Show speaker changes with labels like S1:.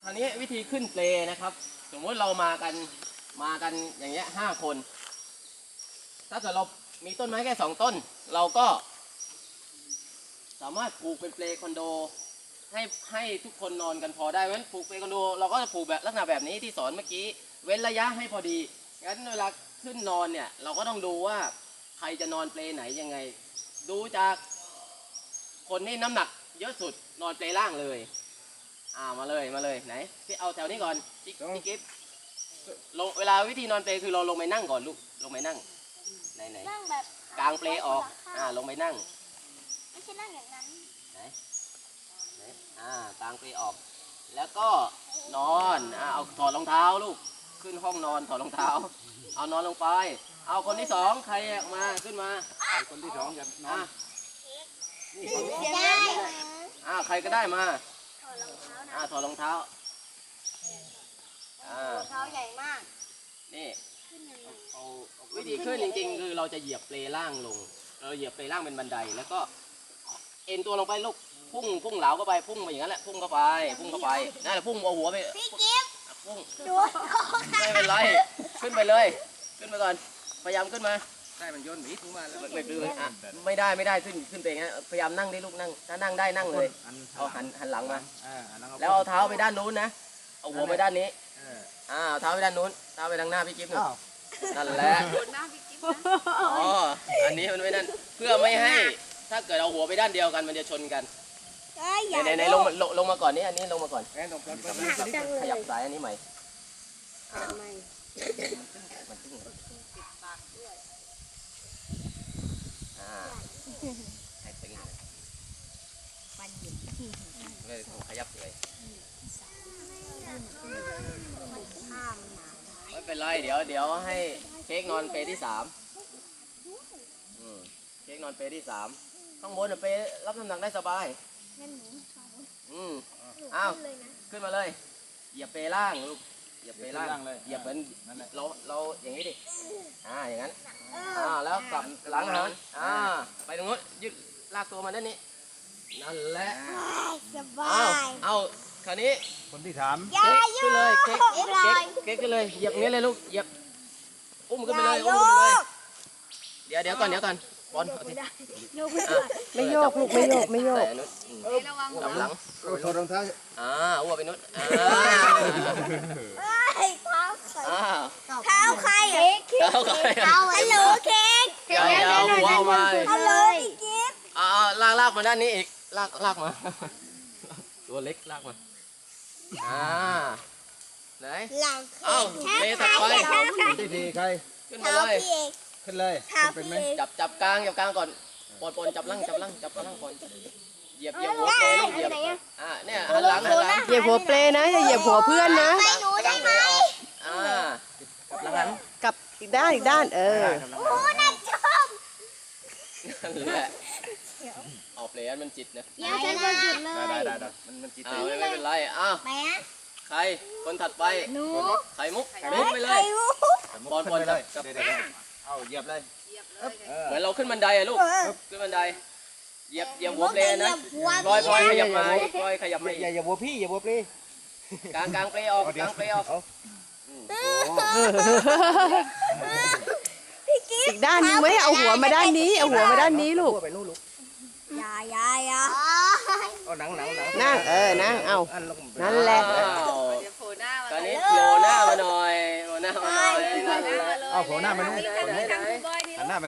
S1: าวนี้วิธีขึ้นเปลนะครับสมมติเรามากันอย่างเงี้ย5 คน ถ้าเกิดเรามีต้นไม้แค่2 ต้น เราก็สามารถปลูกเป็นเปลคอนโดให้ทุกคนนอนกันพอได้เพราะฉะนั้นปลูกเปลคอนโดเราก็จะปลูกแบบลักษณะแบบนี้ที่สอนเมื่อกี้เว้นระยะให้พอดีงั้นเวลาขึ้นนอนเนี่ยเราก็ต้องดูว่าใครจะนอนเปลไหนยังไง ดูจากคนที่น้ำหนักเยอะสุดนอนเปลล่างเลยมาเลยไหนพี่เอาแถวนี้ก่อนพี่กิฟต์ลงเวลาวิธีนอนเปลคือเราลงไปนั่งก่อนลูกลงไปนั่งไหน
S2: นั่งแบบ
S1: กลางเปลออกลงไปนั่ง
S2: ไม่ใช่นั่งอย่างนั้น
S1: ไหนกลางเปลออก แล้วก็นอนเอาถอดรองเท้าลูกขึ้นห้องนอนถอดรองเท้าเอานอนลงไปเอาคนที่2ใครมาขึ้นมาคนที่2จะนอนนี่ใครก็ได้มาถอดรองเท้า
S2: เท้าใหญ่มาก
S1: นี่วิธีขึ้นจริงๆคือเราจะเหยียบเปลล่างลงเราเหยียบเปลล่างเป็นบันไดแล้วก็เอ็นตัวลงไปลูกพุ่งเหลาเข้าไปพุ่งไปอย่างนั้นแหละพุ่งเข้าไปนั่นแหละพุ่งเอาหัวไป
S2: พี่กิฟต์
S1: พุ่ง
S2: ดู
S1: ไม่เป็นไรขึ้นไปเลยขึ้นไปก่อนพยายามขึ้นมาได้มันโยนหมีถูมาแล้วไม่ได้ขึ้นไปอย่างนี้พยายามนั่งได้ลูกนั่งถ้านั่งได้นั่งเลยเอาหันหลังมาแล้วเอาเท้าไปด้านนู้นนะเอาหัวไปด้านนี้เอาเท้าไปด้านนู้นเท้าไปทางหน้าพี่กิ๊ฟนั่นแหละอันนี้มันไม่นั่นเพื่อไม่ให้ถ้าเกิดเอาหัวไปด้านเดียวกันมันจะชนกันในลงมาก่อนนี่อันนี้ลงมาก่อนขยับสายอันนี้ใหม่มันตึงให้ตึงเลยขยับเลยไม่เป็นไรเดี๋ยวให้เค้กนอนเปที่ 3เค้กนอนเปที่ 3ข้างบนเปรับน้ำหนักได้สบายขึ้นมาเลยเหยียบเปล่างลูกเหยียบเปล่างเลยเหยียบเหมือนเราอย่างนี้ดิอย่างนั้นแล้วกลับหลังหันไปตรงนู้นยึดลากตัวมาด้านนี้นั่นแหละ
S2: สบาย
S1: เอาคราวนี้
S3: คนที่
S1: 3ขึ้นเลยเค้กขึ้นเลยเหยียบนี้เลยลูกเหยียบอุ้มขึ้นไปเลยเดี๋ยวก่อนบอล
S4: ไม่โยกลูกไม่โยก
S1: กำลัง
S3: ถอดรองเท้า
S1: อ้วไปนุช
S2: เท้าใครฮัลโหลเค้ก
S1: เอาหัวเอามา
S2: ฮัลโหลพี่กิฟต์
S1: ลากมาด้านนี้อีกลากมาตัวเล็กลากมาไหนเตะถัดไป
S3: ที่ดีใคร
S1: ขึ้นมาเลย
S3: ขึ้นเลยเป็นไหม
S1: จับกลางก่อนปนจับล่างก่อนเหยียบหัวเปลเหยียบเนี่ยหันหลัง
S4: เหยียบหัวเปลนะอย่าเหยียบหัวเพื่อนนะ
S1: กลางเปลออกกลับหลัง
S4: กับอีกด้าน
S2: โอ้น่าชม
S1: นั่นแหละออกเปลมันจิตนะ
S2: อย่าใช้คนจุดเลย
S3: ได้มันจิต
S1: ไม่เป็นไรใครคนถัดไป
S2: หนู
S1: ไข่มุกไปเลยบอลเลย
S3: เอาเหยียบเลย
S1: เหมือนเราขึ้นบันไดลูกขึ้นบันไดเหยียบหัวเปลนะพลอยขยับมา
S3: อย่าหัวพี่อย่าหัวเปล
S1: กลางเปลออก
S4: อีกด้านนึงไม่เอาหัวมาด้านนี้เอาหัวมาด้านนี้ลูก
S2: อย่า
S3: เอาหนัง
S4: นั่งนั่งเอานั่นแหละ
S1: ตอนนี้โผล่หน้ามาหน่อย
S3: เอาโผล่หน้ามาดูหันหน้าไป